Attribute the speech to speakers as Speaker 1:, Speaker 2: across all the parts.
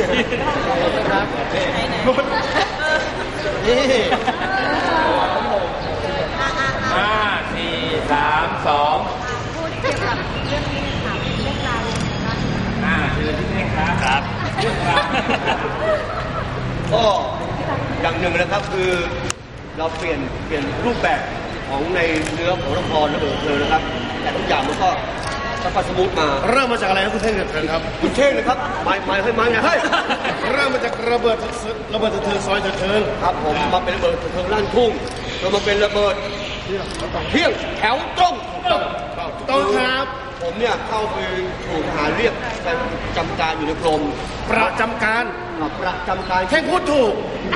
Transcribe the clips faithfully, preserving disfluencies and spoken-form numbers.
Speaker 1: นี่
Speaker 2: ห้าสี่สามสอง
Speaker 3: พูดเกี่ยวกับเรื่องนี้ค่ะเรื่องราว
Speaker 2: อ่าคือที่นี่ครับครับเรื่องราว
Speaker 1: ก็อย่างหนึ่งนะครับคือเราเปลี่ยนเปลี่ยนรูปแบบของในเนื้อของละครระเบิดเธอนะครับแต่ทุกอย่างมันก็สัพสมูทมา
Speaker 4: เริ่มมาจากอะไรครับคุณเท่งครับ
Speaker 1: คุณเท่งนะครับหมายหมายให้หมายไงเฮ้ย
Speaker 4: เริ่มมาจากระเบิดระเบิดเธอซอยเธอ
Speaker 1: ครับผมมาเป็นระเบิดเธอลั่นทุ่งเรามาเป็นระเบิดเที่ยงแถวตรง
Speaker 4: ต้องครับ
Speaker 1: ผมเนี่ยเข้าไปถูกทหารเรียกไปจำการอยู่ในกรม
Speaker 4: ประจำการ
Speaker 1: ประจำการ
Speaker 4: แค่พูดถูก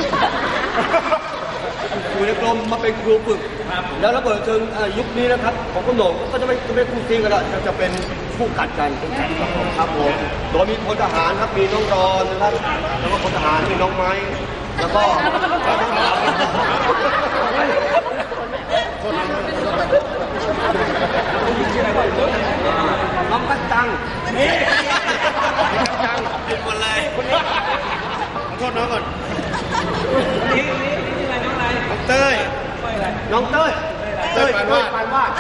Speaker 1: อยู่ในกรมมาเป็นครูฝึกแล้วระเบิดเชิงยุคนี้นะครับของคุณโหน่งก็จะไม่จะไม่คู่ซีกันละจะเป็นคู่กัดกันครับผมโดยมีพลทหารครับมีน้องรอนนะครับแล้วก็พลทหารมีน้องไม้แล้วก็น้องกัจจังนี่จังเป็นคนอะไร
Speaker 4: ขอโทษน้องก่อน
Speaker 2: นี่นี่นี่อะไรน้องอะไร
Speaker 4: น้องเต้ย
Speaker 1: น้องเต้ยเต้ยปานวาดปานวาด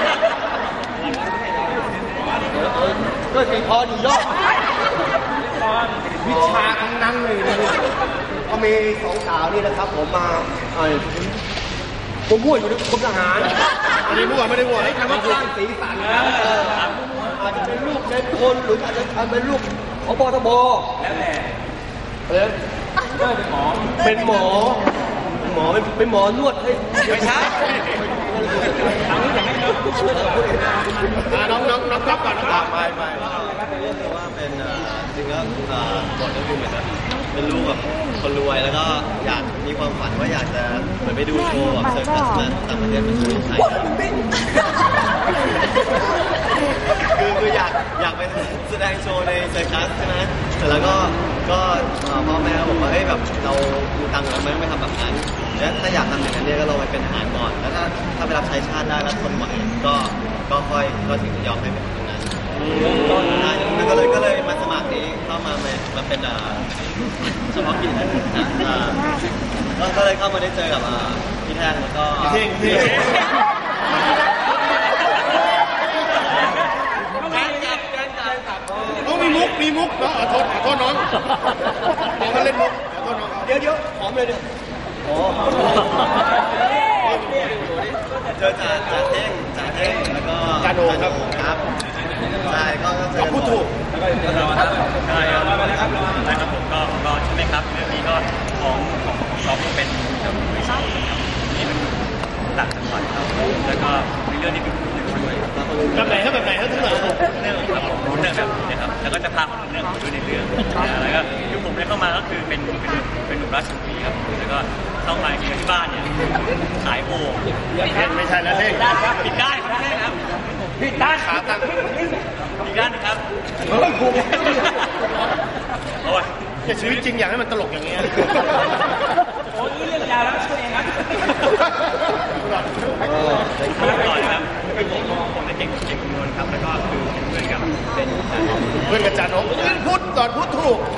Speaker 1: เต้ยตีพออยู่ยอดวิชาทั้งนั้นเลยนะก็มีสองสาวนี่นะครับผมมาไอ้ผมมั่วอยู่ในกรมทหาร
Speaker 4: ไม่ได้มั่วไม่ได้มั่วให้
Speaker 1: ทำให้สร้างสีสันนะอาจจะเป็นลูกในคนหรืออาจจะเป็นลูกของปทบ
Speaker 2: แล้วแต่
Speaker 1: เออเป็นหมอเป็นหมอหมอเป็นหมอนวดให้
Speaker 2: ไม่ใช่ทางนี้จะให้
Speaker 4: น้องน้องน้องครับก่อนนะครับ
Speaker 5: ไม่ไม่ว่าเป็นจริงก็บทก็คือเหมือนเป็นลูกแบบคนรวยแล้วก็อยากมีความฝันว่าอยากจะเหมือนไปดูโชว์แบบเซิร์ฟมาต่างประเทศมาโชว์ไทยคือคืออยากอยากไปแสดงโชว์ในเซิร์คัสใช่ไหมแต่แล้วก็ก็พ่อแม่บอกว่าเฮ้ยแบบเรามีตังค์เราไม่ต้องไปทำแบบนั้นแล้วถ้าอยากทำอย่างนั้นเนี่ยก็ลองไปเป็นทหารก่อนแล้วถ้าถ้าไปรับใช้ชาติได้แล้วทนไหวก็ก็ค่อยก็ถึงจะยอมให้เป็นตรงนั้นแล้วก็เลยก็เลยมาสมัครนี้เข้ามามาเป็นเฉพาะกิจนะก็เลยเข้ามาได้เจอกับพี่แท่งแล้วก็
Speaker 4: พี่เท่งพี่ต้องมีมุกมีมุกเนาะขอโทษขอโทษน้องน้องมาเล่นมุกขอโทษน้อง
Speaker 1: เดี๋ยวเดี๋ยวหอมเลยดิ
Speaker 5: โอ้เจอจ่าจ่าเท่งจ่าเท่งแล้วก็
Speaker 4: กาโดครับ
Speaker 5: ครับใช่ก็เจอ
Speaker 4: พูดถูก
Speaker 2: ใช่ครับนะครับผมก็ก็ใช่ไหมครับเรื่องนี้ก็ของของเราเป็นบริษัทนี่เป็นต่างจังหวัดครับแล้วก็ในเรื่องนี้เป็นผู้ช่วย
Speaker 4: แบบไหนครับแบบไหนครับทั้งหมด
Speaker 2: เรื่องแบบเรื่องแบบนี้ครับแล้วก็จะพาคนเรื่องมาด้วยในเรื่องแล้วก็ยุคผมได้เข้ามาก็คือเป็นเป็นเป็นหนุ่มราชบุรีครับแล้วก็เข้ามาที่บ้านเนี่ยขายโอ่ง
Speaker 4: ไม่ใช่แล้วเท่ง
Speaker 2: ปิดได้ครับเท่งครับปิดได้ขาตั้งอีกด้านนึงครับ
Speaker 1: เฮ้ยครู
Speaker 2: โอ้ย
Speaker 4: แต่ชีวิตจริงอยากให้มันตลกอย่างเงี้ย
Speaker 2: โอ้ยเรื่องยาวแล้วช่วยเองครับก่อนครับผมผมได้เก่งเก่งคำนวณครับแล้วก็คือเพื่อนกับเป็น
Speaker 4: เพื่อนกับจานกพูดก่อนพูดถูก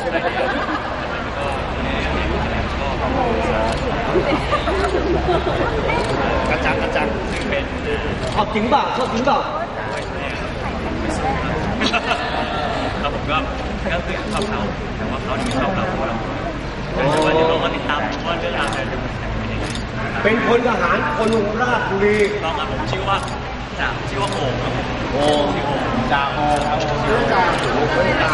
Speaker 4: กระจังกระจัง
Speaker 2: ซึ่งเป็น
Speaker 1: ชอบจริงเปล่าชอบจริงเปล่า
Speaker 2: แล้วผมก็ก็คือชอบเขาแต่ว่าเขาไม่ชอบเราเพราะเราแต่ว่าเดี๋ยวเราก็ติดตามว่าเรื่องราวจะ
Speaker 1: เป็นพลทหารคนราชบุรี
Speaker 2: ลองครับผมชื่อว่าจ่าชื่อว่าโอ่งครับ
Speaker 1: โอ่ง
Speaker 2: ชื่อโอ่ง
Speaker 1: จ่าโอ่งครับชื่อจ่า